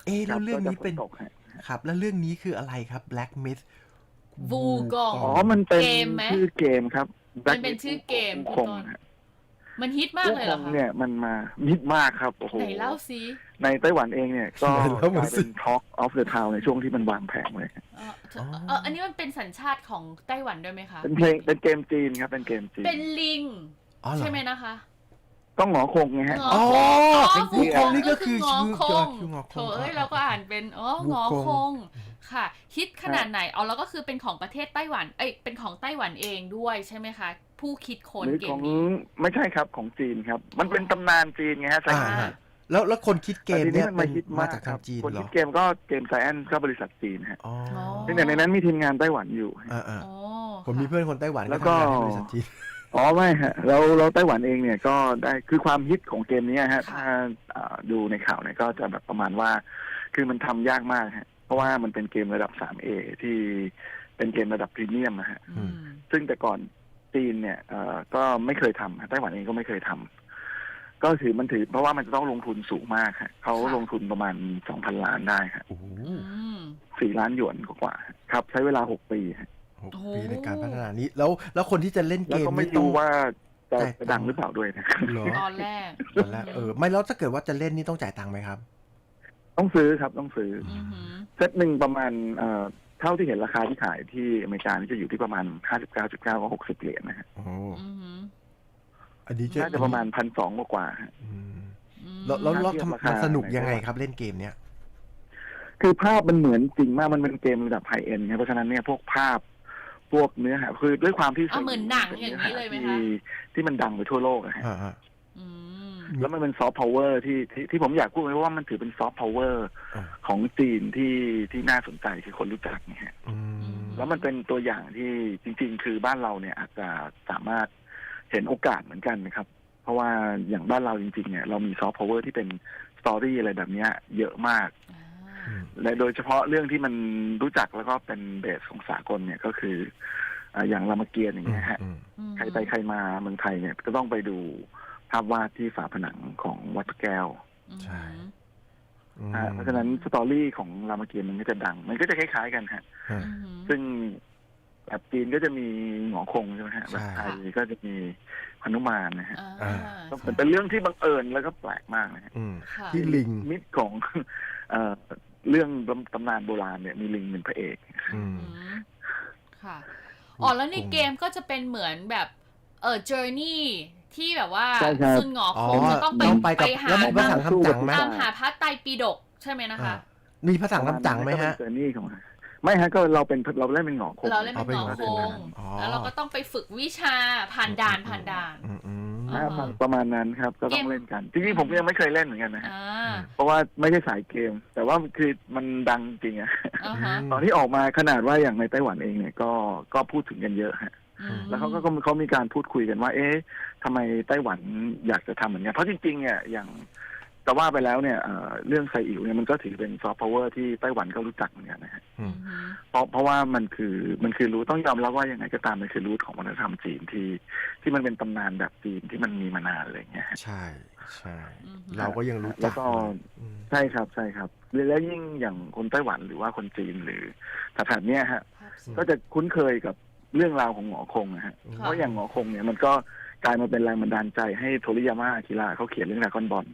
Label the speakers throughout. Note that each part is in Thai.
Speaker 1: แล้
Speaker 2: ครับ
Speaker 1: วเรื่องนี้เป็น
Speaker 2: ก็จะฝนตกฮะ
Speaker 1: ครับแล้วเรื่องนี้คืออะไรครับ Black Myth
Speaker 3: วูกอง
Speaker 2: อ๋อมันเป็น
Speaker 3: เกมไหม
Speaker 2: ชื่อเกมครับ
Speaker 3: มัน
Speaker 2: Black
Speaker 3: เป็น
Speaker 2: Myth
Speaker 3: ชื่อเกม
Speaker 2: วู
Speaker 3: พี่
Speaker 2: คง
Speaker 3: ต้น
Speaker 2: ฮะ
Speaker 3: มันฮิตมาก
Speaker 2: วู
Speaker 3: เลย
Speaker 2: ค
Speaker 3: เหรอง คะ
Speaker 2: เนี่ยมันมามิดมากครับโอ้โห
Speaker 3: ไหนเล่าซิ
Speaker 2: ในไต้หวันเองเนี่ยก็
Speaker 1: ไหนเล่าก มา
Speaker 2: ลาย
Speaker 1: สิ
Speaker 2: เป็น Talk of the Town ในช่วงที่มันวางแผงเลย
Speaker 3: อันนี้มันเป็นสัญชาติของไต้หวันด้วยไหมคะ
Speaker 2: เป็นเกมจีนครับเป็นเกมจีน
Speaker 3: เป็นลิง
Speaker 1: อ๋อเหรอ
Speaker 3: ใช่ไหมนะคะ
Speaker 2: ต้องหงอคงไงฮะ
Speaker 3: ง
Speaker 1: อ๋อ
Speaker 3: วู
Speaker 1: วูคงนี่ก็คือ
Speaker 3: งอคง
Speaker 1: คืองอคง
Speaker 3: โถเอ้ยเราก็อ่านเป็นงอคงค่ะฮิตขนาดไหนแล้วก็คือเป็นของประเทศไต้หวันเป็นของไต้หวันเองด้วยใช่ไหมคะ ผู้คิดค้น
Speaker 2: หรือ
Speaker 3: เก
Speaker 2: ข
Speaker 3: ม
Speaker 2: อง
Speaker 3: นี้
Speaker 2: ไม่ใช่ครับของจีนครับ มันเป็นตำนานจีนไงฮะ
Speaker 1: อ่าฮะแล้วคนคิดเกม
Speaker 2: แต่ที
Speaker 1: เนี่ย
Speaker 2: มัน
Speaker 1: เป็
Speaker 2: มาน ฮิต
Speaker 1: มา
Speaker 2: มา
Speaker 1: จาก
Speaker 2: ค
Speaker 1: ทา
Speaker 2: รั
Speaker 1: ง
Speaker 2: บ
Speaker 1: จีน
Speaker 2: คน
Speaker 1: เหร
Speaker 2: คิ
Speaker 1: อ
Speaker 2: ดเกมก็เกมไซแอนก็บริษัทจีนฮะ
Speaker 1: อ๋อ
Speaker 2: ซึ่งในนั้นมีทีมงานไต้หวันอยู่
Speaker 1: อ่า
Speaker 3: อ๋อ
Speaker 1: ผมมีเพื่อนคนไต้หวัน
Speaker 2: แล้
Speaker 1: ก็
Speaker 2: วก็
Speaker 1: ทำงานให้บริษัทจีน
Speaker 2: อ๋อไม่ฮะเราไต้หวันเองเนี่ยก็ได้คือความฮิตของเกมนี้ฮะถ้าดูในข่าวเนี่ยก็จะแบบประมาณว่าคือมันทำยากมากฮะเพราะว่ามันเป็นเกมระดับ 3A ที่เป็นเกมระดับพรีเมียมนะฮะ
Speaker 3: อืม
Speaker 2: ซึ่งแต่ก่อนจีนเนี่ยก็ไม่เคยทำไต้หวันเองก็ไม่เคยทำก็ถือเพราะว่ามันจะต้องลงทุนสูงมากฮะเขาลงทุนประมาณ 2,000 ล้านได้ฮะ
Speaker 1: โอ้โห
Speaker 3: อืม
Speaker 2: 4 ล้านหยวนกว่าๆครับใช้เวลา6 ปีฮะ
Speaker 1: 6 ปีในการพัฒนานี้แล้วคนที่จะเล่น
Speaker 2: แล้
Speaker 1: เก
Speaker 2: ว
Speaker 1: ม
Speaker 2: ก็ไม่
Speaker 1: นี่ต้อ
Speaker 2: รู้
Speaker 1: ง
Speaker 2: ว่าจะ
Speaker 1: จ่ายตังค์
Speaker 2: ดังหรือเปล่าด้วยนะ
Speaker 1: เหรอ
Speaker 3: ตอนแรก
Speaker 1: ตอนแรกไม่แล้วถ้าเกิดว่าจะเล่นนี่ต้องจ่ายตังค์ไหมครับ
Speaker 2: ต้องซื้อครับต้องซื้อ
Speaker 3: อือหือ
Speaker 2: เซตหนึ่งประมาณเท่าที่เห็นราคาที่ขายที่อเมริกานี่จะอยู่ที่ประมาณ 59.9 ก็60 เหรียญนะฮะ
Speaker 1: โอ้
Speaker 3: อือหือ
Speaker 1: อันนี้
Speaker 2: น่าจะประมาณ 1,200 กว่าๆฮะ
Speaker 1: อืม
Speaker 3: อืม
Speaker 1: แล้ว
Speaker 2: ถ้าเทียบราคา
Speaker 1: มันสนุกยังไงครับเล่นเกมเนี้ย
Speaker 2: คือภาพมันเหมือนจริงมากมันเป็นเกมระดับไฮเอ็นด์เพราะฉะนั้นเนี่ยพวกภาพพวกเนื้อหาคือด้วยความที่
Speaker 3: เหมือนหนังอย่างนี้เลยไหมคะ
Speaker 2: ที่มันดังไปทั่วโลกอะฮะ
Speaker 1: อ่า
Speaker 3: อืม
Speaker 2: แล้วมันเป็นซอฟต์พาวเวอร์ที่ผมอยากพูดไว้ว่ามันถือเป็นซอฟต์พาวเวอร์ของจีนที่น่าสนใจที่คนรู้จักเนี่ยฮะ
Speaker 1: อืม
Speaker 2: แล้วมันเป็นตัวอย่างที่จริงๆ คือบ้านเราเนี่ยอาจจะสามารถเห็นโอกาสเหมือนกันนะครับ เพราะว่าอย่างบ้านเราจริงๆเนี่ยเรามีซอฟต์พาวเวอร์ที่เป็นสตอรี่อะไรแบบเนี้ยเยอะมาก และโดยเฉพาะเรื่องที่มันรู้จักแล้วก็เป็นเบสของสากลเนี่ยก็คืออย่างรามเกียรติ์อย่างเงี้ยฮะ ใครไปใครมาเมืองไทยเนี่ยก็ต้องไปดูภาพวาดที่ฝาผนังของวัดพระแก้ว
Speaker 1: ใช่
Speaker 2: เพราะฉะนั้นสตอรี่ของรามเกียรติ์มันก็จะดัง มันก็จะคล้ายๆกันฮะ ซึ่งแบบจีนก็จะมีหงอคงใช่ไหมฮะแบบไทยก็จะมีหนุมานนะฮะก็เป็นเรื่องที่บังเอิญแล้วก็แปลกมากนะฮะ
Speaker 1: ที่ลิง
Speaker 2: มิตรของ เรื่องตำนานโบราณเนี่ยมีลิงเป็นพระเอก
Speaker 3: ค่ะแล้วในเกมก็จะเป็นเหมือนแบบjourney ที่แบบว่า
Speaker 2: ใช่ครับ
Speaker 3: ซุนหงอคงจะต้องไปหา
Speaker 1: แล้วมีภาษาคำจังไหม
Speaker 3: ตามหาพระไตรปิฎกใช่ไหมนะคะ
Speaker 1: มีภาษาคำจังไหมฮะ
Speaker 2: เจอนี่ของไม่ฮะก็เราเล่นเป็นหงอคง
Speaker 3: เราเล่นเป็นหงอคง
Speaker 1: อ๋อ
Speaker 3: แล้วเราก็ต้องไปฝึกวิชาผ่านด่าน
Speaker 2: ประมาณนั้นครับก็ต้องเล่นกันจริงๆผมก็ยังไม่เคยเล่นเหมือนกันนะฮะ
Speaker 3: อ่า
Speaker 2: เพราะว่าไม่ใช่สายเกม แต่ว่าคือมันดังจริงอะ
Speaker 3: อ่าฮะ
Speaker 2: ตอนที่ออกมาขนาดว่าอย่างในไต้หวันเองเนี่ยก็พูดถึงกันเยอะฮะ แล้วเขามีการพูดคุยกันว่า เอ๊ะทำไมไต้หวันอยากจะทำเหมือนกันเพราะจริงๆเนี่ยอย่างแต่ว่าไปแล้วเนี่ยเรื่องไซอิ๋วเนี่ยมันก็ถือเป็นซอฟต์พาวเวอร์ที่ไต้หวันก็รู้จักเหมือนกันนะฮะเพราะว่ามันคือรู้ต้องยอมรับว่ายังไงก็ตามมันคือรูทของวัฒนธรรมจีนที่มันเป็นตำนานแบบจีนที่มันมีมานานอะไรอย่างเงี้ย
Speaker 1: ใช่เราก็ยังรู้จัก
Speaker 2: แล้วก็ใช่ครับแล้วยิ่งอย่างคนไต้หวันหรือว่าคนจีนหรือแถบเนี้ยฮะก็จะคุ้นเคยกับเรื่องราวของหงอคงนะฮะเพราะอย่างหงอคงเนี่ยมันก็กลายมาเป็นแรงบันดาลใจให้โทริยาม่าอากิระเขาเขียนเรื่องดราก้อนบอล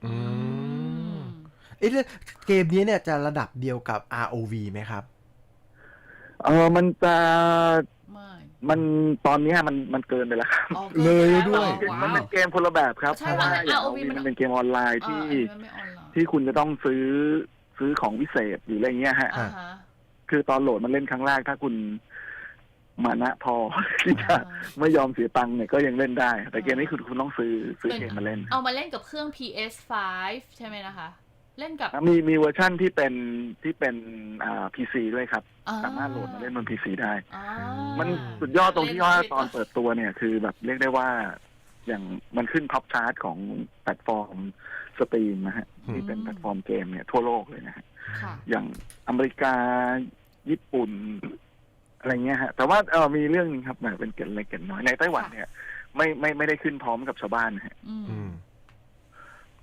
Speaker 1: เกมนี้เนี่ยจะระดับเดียวกับ ROV ไหมครับ
Speaker 2: มันจะมันตอนนี้มันเกินไปแล้วครับ
Speaker 1: เลยด้วย
Speaker 2: มันเป็นเกมคนละแบบครับเพ
Speaker 3: ใช่
Speaker 2: ราะ
Speaker 3: ว่า
Speaker 2: ว่าอย่าง
Speaker 3: ROV
Speaker 2: มันเป็นเกมออนไลน์ที่
Speaker 3: คุณ
Speaker 2: จะต้องซื้อของพิเศษหรืออะไรเงี้ยฮะคือตอนโหลดมันเล่นครั้งแรกถ้าคุณมานะพอที่จะไม่ยอมเสียตังค์เนี่ยก็ยังเล่นได้แต่เกมนี้คือคุณต้องซื้อเกมมาเล่น
Speaker 3: เอามาเล่นกับเครื่อง PS5 ใช่ไหมนะคะเล่นกับ
Speaker 2: มีเวอร์ชั่นที่เป็นPC ด้วยครับสามารถโหลดมาเล่นบน PC ได้มันสุดยอดตรงที่ว่าตอนเปิดตัวเนี่ยคือแบบเรียกได้ว่าอย่างมันขึ้นท็อปชาร์ตของแพลตฟอร์มสตรีมนะฮะที่เป็นแพลตฟอร์มเกมเนี่ยทั่วโลกเลยนะฮะอย่างอเมริกาญี่ปุ่นอะไรเงี้ยฮะแต่ว่ามีเรื่องนึงครับแบบเป็นเกร็ดเล็กเกร็ดน้อยในไต้หวันเนี่ยไม่ได้ขึ้นพร้อมกับชาวบ้านฮะเพ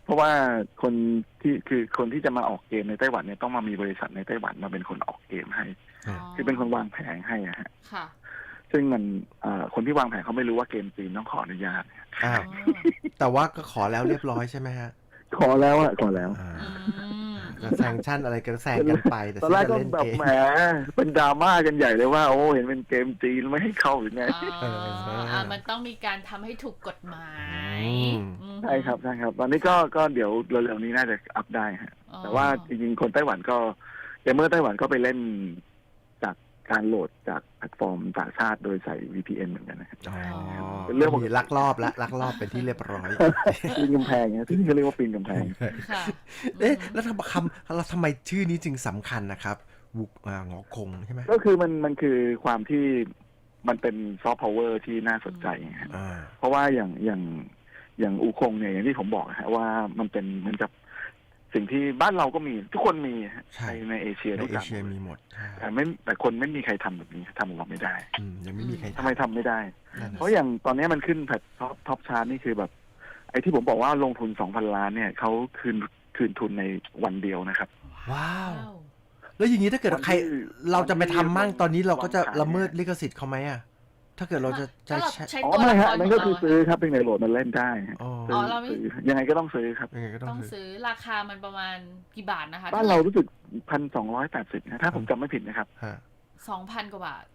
Speaker 2: ราะว่าคนที่จะมาออกเกมในไต้หวันเนี่ยต้องมามีบริษัทในไต้หวันมาเป็นคนออกเกมให้
Speaker 3: อ๋อ
Speaker 2: คือเป็นคนวางแผนให้อะฮะ
Speaker 3: ค่ะ
Speaker 2: ซึ่งมันคนที่วางแผนเขาไม่รู้ว่าเกมจีนต้องขออนุญาต
Speaker 1: อ้าว
Speaker 3: อ๋อ
Speaker 1: แต่ว่าก็ขอแล้วเรียบร้อยใช่ไหมฮะ
Speaker 2: ขอแล้วอะขอแล้ว
Speaker 1: อ่า
Speaker 3: อืม
Speaker 1: ก็แซงชั่นอะไรกันแซงกันไปแต่
Speaker 2: ตอนแรก
Speaker 1: ฉั
Speaker 2: ก็
Speaker 1: นจะเล่น
Speaker 2: แบบ
Speaker 1: เกม
Speaker 2: แหมเป็นดราม่ากันใหญ่เลยว่าโอ้เห็นเป็นเกมจีนไม่ให้เข้าหรือไง
Speaker 3: มันต้องมีการทำให้ถูกกฎหมาย
Speaker 1: อืม
Speaker 2: ใช่ครับตอนนี้ก็เดี๋ยวเร็วๆนี้น่าจะอัพได้ฮะ
Speaker 3: อ๋อ
Speaker 2: แต่ว่าจริงๆคนไต้หวันก็เกมเมอร์ไต้หวันก็ไปเล่นจากการโหลดจากแพลตฟอร์มต่างชาติโดยใส่ VPN เหมือนกันนะครับ
Speaker 1: อ๋อ
Speaker 2: เป็นเรื่องปกติ
Speaker 1: มีลักลอบเป็นที่เรียบร้อย
Speaker 2: ปีนกำแพงเนี่ยที่นี่เขาเรียกว่าปีนกำแพง
Speaker 3: ค่ะ
Speaker 1: เอ๊ะแล้วทำไมชื่อนี้จึงสำคัญนะครับวุกงอคงใช่ไหม
Speaker 2: ก็คือมันคือความที่มันเป็นซอฟต์พาวเวอร์ที่น่าสนใจฮะ
Speaker 1: อ่า
Speaker 2: เพราะว่าอย่างอูคงเนี่ยอย่างที่ผมบอกฮะว่ามันเป็นเหมือนกับสิ่งที่บ้านเราก็มีทุกคนมีฮะ
Speaker 1: ใช่
Speaker 2: ในเอเชีย
Speaker 1: ใน
Speaker 2: ทุก
Speaker 1: เอ
Speaker 2: อย่าง
Speaker 1: เชียมีหมดใช่
Speaker 2: แต่คนไม่มีใครทำแบบนี้ทำเราไม่ได้
Speaker 1: ยังไม่มีใคร
Speaker 2: ทำไมทำไม่ได้
Speaker 1: นั่นน่ะ
Speaker 2: เพราะอย่างตอนนี้มันขึ้นแพทท็อปชาร์ตนี่คือแบบ ไอ้ที่ผมบอกว่าลงทุน 2,000 ล้านเนี่ยเขาคืนทุนในวันเดียวนะครับ
Speaker 1: ว้าว แล้วอย่างนี้ถ้าเกิดใคร
Speaker 2: วันที่
Speaker 1: เราจะไปทำมั่งตอนนี้เราก็จะ
Speaker 2: วางขาย
Speaker 1: ละเมิดลิขสิทธิ์เขาไหมอ่ะถ้าเกิดเราจะ
Speaker 3: ถ้าเรา
Speaker 1: ใช้
Speaker 3: ใช้
Speaker 2: อ๋อ
Speaker 3: ตัว
Speaker 2: ไม่
Speaker 3: ละค
Speaker 2: ฮะ
Speaker 3: ร
Speaker 2: นั่น
Speaker 3: ข
Speaker 2: ก็
Speaker 3: อง
Speaker 2: คือ
Speaker 3: เรา
Speaker 2: ซื้อครับเป็นในโหลดมันเล่นได้ฮะ
Speaker 1: อ๋อ
Speaker 3: อ๋อเราไม่
Speaker 2: ซื้อยังไงก็ต้องซื้อครับ
Speaker 1: ยังไงก็ต้
Speaker 3: ต้
Speaker 1: อ
Speaker 3: อง ง
Speaker 1: ซื้อ
Speaker 3: ซื้อราคามันประมาณกี่บาทนะคะ
Speaker 2: บ้านเรารู้สึก1,280นะถ้าผมจำไม่ผิดนะครับ
Speaker 1: ฮะ
Speaker 3: 2,000 กว่าบาท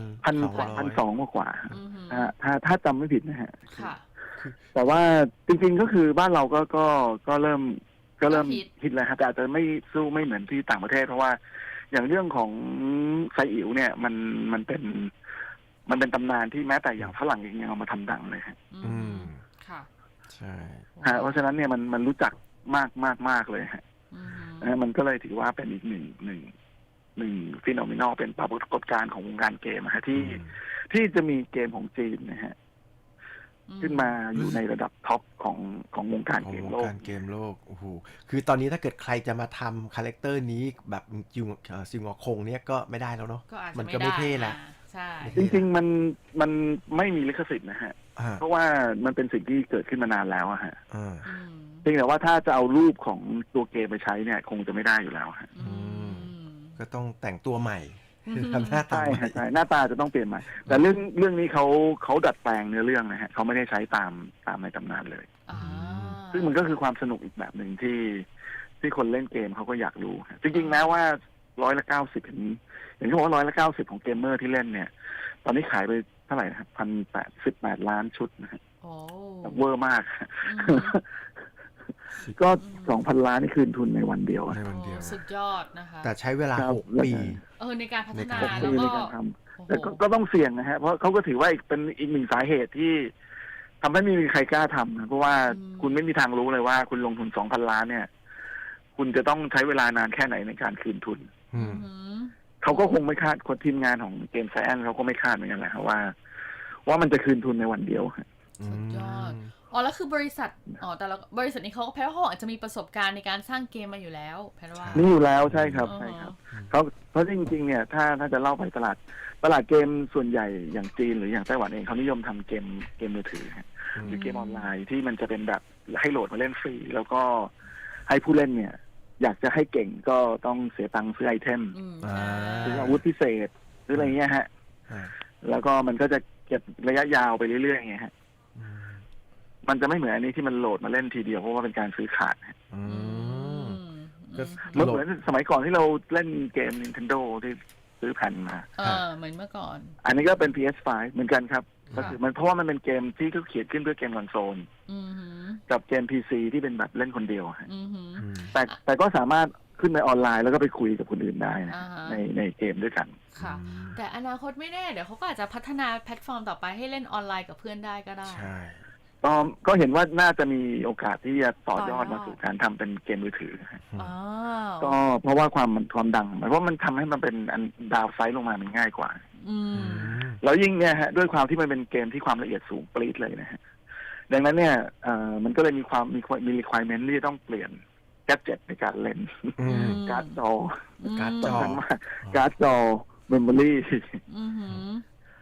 Speaker 1: 1,200
Speaker 2: กว่า
Speaker 3: อือหือ
Speaker 2: ถ้าจำไม่ผิดนะฮะ
Speaker 3: ค่ะ
Speaker 2: แต่ว่าจริงๆก็คือบ้านเราก็เริ่ม
Speaker 3: ก็ฮิต
Speaker 2: ฮิตแล้วครับแต่อาจจะไม่สู้ไม่เหมือนที่ต่างประเทศ เพราะว่าอย่างเรื่องของไซอิ๋วเนี่ยมันเป็นตำนานที่แม้แต่อย่างฝรั่งเองยังเอามาทำดังเลยฮะ
Speaker 3: อื
Speaker 1: อื
Speaker 3: ม
Speaker 1: ม
Speaker 3: ค่ะ
Speaker 1: ใช่
Speaker 2: เพราะฉะนั้นเนี่ยมันรู้จักมากเลยฮะ
Speaker 3: อือหือ
Speaker 2: มันก็เลยถือว่าเป็นอีกหนึ่งฟีโนเมนอลเป็นปรากฏการณ์ของวงการเกมนะฮะที่จะมีเกมของจีนนะฮะขึ้นมาอยู่ในระดับท็อปของวงการ
Speaker 1: ของ
Speaker 2: เกม
Speaker 1: วง
Speaker 2: โลก
Speaker 1: การเกมโลกโอ้โหคือตอนนี้ถ้าเกิดใครจะมาทำคาแรคเตอร์นี้แบบซิงงอคงเนี่ยก็ไม่ได้แล้วเนาะ
Speaker 3: ก็อาจจะ
Speaker 1: มันก็ไม่เท่ละ
Speaker 3: ใช่
Speaker 2: จริงๆมันไม่มีลิขสิทธิ์นะฮะ
Speaker 1: อ่า
Speaker 2: เพราะว่ามันเป็นสิ่งที่เกิดขึ้นมานานแล้วอะฮะ
Speaker 1: อ่า
Speaker 3: อืม
Speaker 2: เพียงแต่ว่าถ้าจะเอารูปของตัวเกมไปใช้เนี่ย คงจะไม่ได้อยู่แล้วฮะ
Speaker 3: อืม
Speaker 1: ก็ต้องแต่งตัวใหม่
Speaker 3: อืม
Speaker 1: ทำหน้าตา
Speaker 2: ใช่
Speaker 1: ใหม่
Speaker 2: ฮะใช่หน้าตาจะต้องเปลี่ยนใหม่ แต่เรื่องนี้เขาดัดแปลงเนื้อเรื่องนะฮะเขาไม่ได้ใช้ตามในตำนานเลย
Speaker 3: อ่า
Speaker 2: ซึ่งมันก็คือความสนุกอีกแบบหนึ่งที่คนเล่นเกมเขาก็อยากรู้ฮะจริงๆแม้ว่า90%อย่างที่บอกว่า190ของเกมเมอร์ที่เล่นเนี่ย ตอนนี้ขายไปเท่าไหร่นะครับ1,818 ล้านชุดนะฮะ
Speaker 3: โอ้
Speaker 2: เวอร์มาก
Speaker 3: อืม
Speaker 2: ก็ 2,000 ล้านนี่คืนทุนในวันเดียวอะ
Speaker 1: ในวันเดียว
Speaker 3: โอ้สุดยอดนะคะ
Speaker 1: แต่ใช้เวลา
Speaker 2: ครับ
Speaker 1: 6 ปี
Speaker 3: ในการพัฒนา
Speaker 1: ในการ
Speaker 3: แล้ว
Speaker 2: ใน
Speaker 3: ก็
Speaker 2: การทำ
Speaker 3: โอ้โห
Speaker 2: แต่ก็ต้องเสี่ยงนะฮะ เพราะเขาก็ถือว่าเป็นอีกหนึ่งสาเหตุที่ทำให้ไม่มีใครกล้าทำนะเพราะว่าคุณไม่มีทางรู้เลยว่าคุณลงทุน 2,000 ล้านเนี่ย คุณจะต้องใช้เวลานานแค่ไหนในการคืนทุน
Speaker 1: อื
Speaker 3: อื
Speaker 1: ม
Speaker 3: อหือ
Speaker 2: เขาก็คงไม่คาดคนทีมงานของเกมไซแอนเขาก็ไม่คาดเหมือนกันแหละครับว่ามันจะคืนทุนในวันเดียวฮะ
Speaker 3: สุดยอด อ๋อแล้วคือบริษัทแต่ละบริษัทนี้เขาแพทย์ว่าเขาอาจจะมีประสบการณ์ในการสร้างเกมมาอยู่แล้วแพทย์ว่า
Speaker 2: นี่อยู่แล้วใช่ครับ
Speaker 3: อ๋อ
Speaker 2: ใช่ครับเพราะจริงๆเนี่ยถ้าจะเล่าไปตลาดเกมส่วนใหญ่อย่างจีนหรืออย่างไต้หวันเองเขานิยมทำเกมมือถือฮะหรือเกมออนไลน์ที่มันจะเป็นแบบให้โหลดมาเล่นฟรีแล้วก็ให้ผู้เล่นเนี่ย อยากจะให้เก่งก็ต้องเสียตังค์ซื้อไอเทม
Speaker 3: อืม
Speaker 1: อ่า
Speaker 2: ซื้ออาวุธพิเศษหรืออะไรเงี้ยฮะ
Speaker 1: อ่า
Speaker 2: แล้วก็มันก็จะเก็บระยะยาวไปเรื่อยๆไงฮะ
Speaker 1: อืม
Speaker 2: มันจะไม่เหมือนอันนี้ที่มันโหลดมาเล่นทีเดียวเพราะว่าเป็นการซื้อขาดฮะ
Speaker 1: อื
Speaker 3: อื
Speaker 1: ม
Speaker 3: ม
Speaker 1: ก็
Speaker 2: เหมือนสมัยก่อนที่เราเล่นเกม Nintendo ที่ซื้อแผ่นมา
Speaker 3: เหมือนเมื่อก่อน
Speaker 2: อันนี้ก็เป็น PS5 เหมือนกันครับ
Speaker 3: ค่ะ
Speaker 2: ก็คือมันเพราะว่ามันเป็นเกมที่เขาเขียนขึ้นเพื่อเกมคอนโซล
Speaker 3: อือหือ
Speaker 2: กับเกม PC ที่เป็นแบบเล่นคนเดียวฮะ
Speaker 3: อือหือ
Speaker 1: อืม
Speaker 2: แต่ก็สามารถขึ้นไปออนไลน์แล้วก็ไปคุยกับคนอื่นได้นะ
Speaker 3: อ่าฮะ
Speaker 2: ในเกมด้วยกัน
Speaker 3: ค่ะ แต่อนาคตไม่แน่เดี๋ยวเขาก็อาจจะพัฒนาแพลตฟอร์มต่อไปให้เล่นออนไลน์กับเพื่อนได้ก็ได้
Speaker 1: ใช่
Speaker 2: ก็เห็นว่าน่าจะมีโอกาสที่จะต่อยอด
Speaker 3: ต่อยอด
Speaker 2: มาสู่การทำเป็นเกมมือถือฮะ
Speaker 3: อ๋อ
Speaker 2: ก็เพราะว่าความดังเพราะมันทำให้มันเป็นอันดาวไซด์ลงมามันง่ายกว่า
Speaker 3: อืม
Speaker 2: แล้วยิ่งเนี่ยฮะด้วยความที่มันเป็นเกมที่ความละเอียดสูงปรี๊ดเลยนะฮะดังนั้นเนี่ยมันก็เลยมีrequirement ที่จะต้องเปลี่ยนแกดเจ็ตในการเล่น
Speaker 1: อืม
Speaker 2: การ์ดจอ
Speaker 1: การ์ดจอ
Speaker 2: สำคัญมากการ์ดจอเมมโมรี่
Speaker 3: อือหือ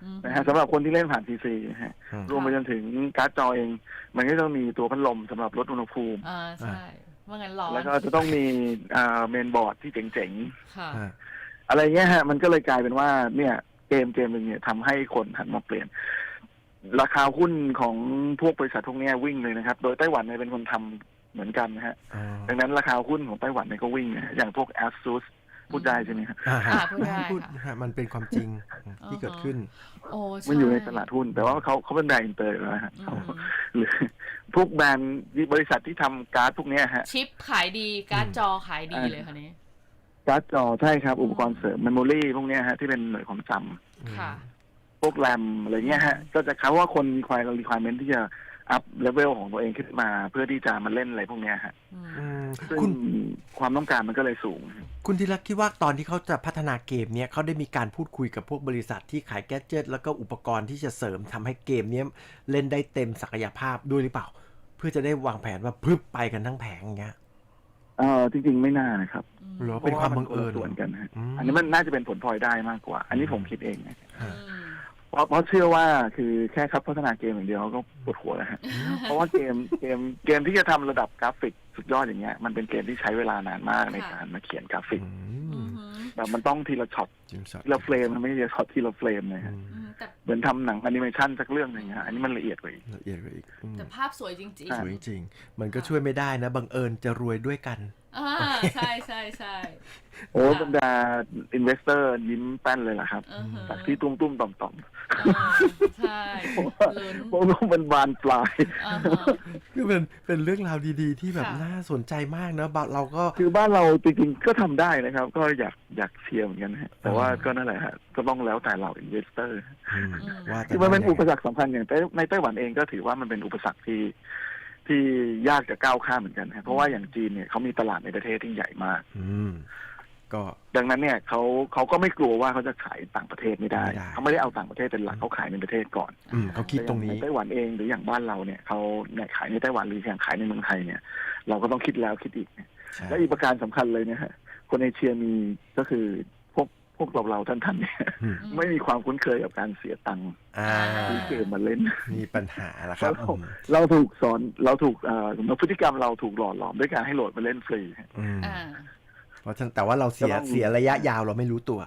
Speaker 2: นะฮะสำหรับคนที่เล่นผ่าน PC นะฮะ
Speaker 1: อืม
Speaker 2: รวมไปจนถึงการ์ดจอเอง มันก็ต้องมีตัวพัดลมสำหรับลดอุณหภูมิ
Speaker 3: ใช่ว่างั้นร้อน
Speaker 2: แล้วก็จะต้องมีเมนบอร์ดที่เจ๋ง
Speaker 3: ค่ะ
Speaker 1: อ่า
Speaker 2: ๆอะไรเงี้ยฮะมันก็เลยกลายเป็นว่าเนี่ยเกมหนึ่งเนี่ยทำให้คนหันมาเปลี่ยน ราคาหุ้นของพวกบริษัทพวกเนี้ยวิ่งเลยนะครับ โดยไต้หวันเนี่ยเป็นคนทำเหมือนกันนะฮะ
Speaker 1: อ๋อ
Speaker 2: ดังนั้นราคาหุ้นของไต้หวันเนี่ยก็วิ่งนะฮะอย่างพวก ASUS พูดได้ใช่ไหมครับ
Speaker 3: พูดได้
Speaker 1: พูด
Speaker 3: ค่ะ
Speaker 1: ฮะมันเป็นความจริงที่เกิดขึ้น
Speaker 3: โอ้ใช่
Speaker 2: มันอยู่ในตลาดหุ้น แต่ว่าเขาเป็นแบรนด์อินเตอร์อยู่แล้วฮะ
Speaker 3: อื
Speaker 2: เขา
Speaker 3: ม
Speaker 2: หรือพวกแบรนด์บริษัทที่ทำการ์ดพวกเนี้ยฮะ
Speaker 3: ชิปขายดีการ์ดจอขายดีเลยค่ะนี้
Speaker 2: การ์ดจอใช่ครับ อุปกรณ์เสริมเมมโมรี่พวกเนี้ยฮะที่เป็นหน่วยความจำ
Speaker 3: ค่ะ
Speaker 2: พวกแรมอะไรเงี้ยฮะก็จะเขาว่าคนมีความ requirement ที่จะอัพเลเวลของตัวเองขึ้นมา เพื่อที่จะมาเล่นอะไรพวกเนี้ยฮะ
Speaker 3: อืม
Speaker 1: อืม
Speaker 2: ซึ่ง
Speaker 1: คุณ
Speaker 2: ความต้องการมันก็เลยสูง
Speaker 1: คุณธีระคิดว่าตอนที่เขาจะพัฒนาเกมเนี้ยเขาได้มีการพูดคุยกับพวกบริษัทที่ขายแกดเจิตแล้วก็อุปกรณ์ที่จะเสริมทำให้เกมเนี้ยเล่นได้เต็มศักยภาพด้วยหรือเปล่า เพื่อจะได้วางแผนว่าพึบไปกันทั้งแผงอย่างเงี้ย
Speaker 2: จริงๆไม่น่านะครับ
Speaker 1: หรอเป็นความบังเอิญ
Speaker 2: พระว่นคนละส่วนกันฮะ
Speaker 1: อืม
Speaker 2: อันนี้มันน่าจะเป็นผลพลอยได้มากกว่า อันนี้ผมคิดเองนะ
Speaker 3: อืม
Speaker 2: เพราะเชื่อว่าคือแค่ครับพัฒนาเกมอย่างเดียวก็ปวดหัวแล้วฮะ เพราะว่าเกมที่จะทำระดับกราฟิกสุดยอดอย่างเงี้ยมันเป็นเกมที่ใช้เวลานานมากในการมาเขียนกราฟิก
Speaker 1: อื
Speaker 3: อื
Speaker 1: ม
Speaker 3: ม
Speaker 2: แบบมันต้องทีละช็อต
Speaker 1: จริงสั
Speaker 2: ทีละเฟรมมันไม่ใช่ช็อตทีละเฟรมเลย
Speaker 1: อื
Speaker 2: ฮะ
Speaker 1: ม
Speaker 3: แต่
Speaker 2: เหมือนทำหนังแอนิเมชันสักเรื่องหนึ่งฮะอันนี้มันละเอียดกว่าอีก
Speaker 1: ละเอียดกว่าอีกอืม
Speaker 3: แต่ภาพสวยจริง
Speaker 2: ใช่
Speaker 1: สวยจริงมันก็ช่วยไม่ได้นะบังเอิญจะรวยด้วยกัน
Speaker 3: ใช่ใช่ใช่
Speaker 2: โอ้
Speaker 3: ค่ะ
Speaker 2: บรรดาอินเวสเตอร์ยิ้มแป้นเลยล่ะครับ
Speaker 3: อือฮึ
Speaker 2: จากที่ตุ้มๆต่อม
Speaker 3: ใช่ลุ้น
Speaker 2: ๆพวกนู้นมันบานปลาย
Speaker 1: คือเป็นเรื่องราวดีๆ ที่แบบ
Speaker 3: ค่ะ
Speaker 1: น่าสนใจมากนะเราก็
Speaker 2: คือบ้านเราจริงๆก็ทำได้นะครับ ก็อยากเชียร์เหมือนกันฮะแต่ว่าก็นั่นแหละฮะก็ต้องแล้วแต่เราอินเวสเตอร์
Speaker 1: อืมว่าแต่
Speaker 2: คือมันเป็น
Speaker 1: ได้
Speaker 2: อุปสรรคสำคัญอย่างในไต้หวันเองก็ถือว่ามันเป็นอุปสรรคที่ยากจะก้าวข้ามเหมือนกันฮะเพราะว่าอย่างจีนเนี่ยเขามีตลาดในประเทศที่ใหญ่มาก
Speaker 1: อืมก็
Speaker 2: ดังนั้นเนี่ยเขาก็ไม่กลัวว่าเขาจะขายต่างประเทศไม่ได้
Speaker 1: ไม่ได้
Speaker 2: เขาไม่ได้เอาต่างประเทศเป็นหลักเขาขายในประเทศก่อน
Speaker 1: เขาคิดตรงนี้
Speaker 2: ในไต้หวันเองหรืออย่างบ้านเราเนี่ยเขาเนี่ยขายในไต้หวันหรืออย่างขายในเมืองไทยเนี่ย เราก็ต้องคิดแล้วคิดอีก
Speaker 1: ใช่
Speaker 2: และอีกประการสำคัญเลยเนี่ยฮะคนเอเชียมีก็คือพวกเราท่านๆเนี่ย
Speaker 1: อืม
Speaker 2: ไม่มีความคุ้นเคยกับการเสียตังค์
Speaker 1: อ่า
Speaker 2: ซื้อเกมมาเล่น
Speaker 1: มีปัญหาละครับ
Speaker 2: เราถูกสอนเราถูกพฤติกรรมเราถูกหล่อหลอมด้วยการให้โหลดมาเล่นฟรี
Speaker 1: อืม
Speaker 3: อ่า
Speaker 1: เพราะฉะนั้นแต่ว่าเราเสีย
Speaker 2: ก็ต้อง
Speaker 1: เสียระยะยาวเราไม่รู้ตัว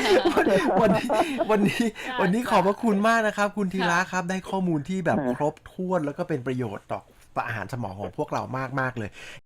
Speaker 1: วันนี้ขอบพระคุณมากนะครับ คุณธีระครับ ได้ข้อมูลที่แบบครบถ้วนแล้วก็เป็นประโยชน์ต่ออาหารสมองของพวกเรามากๆเลย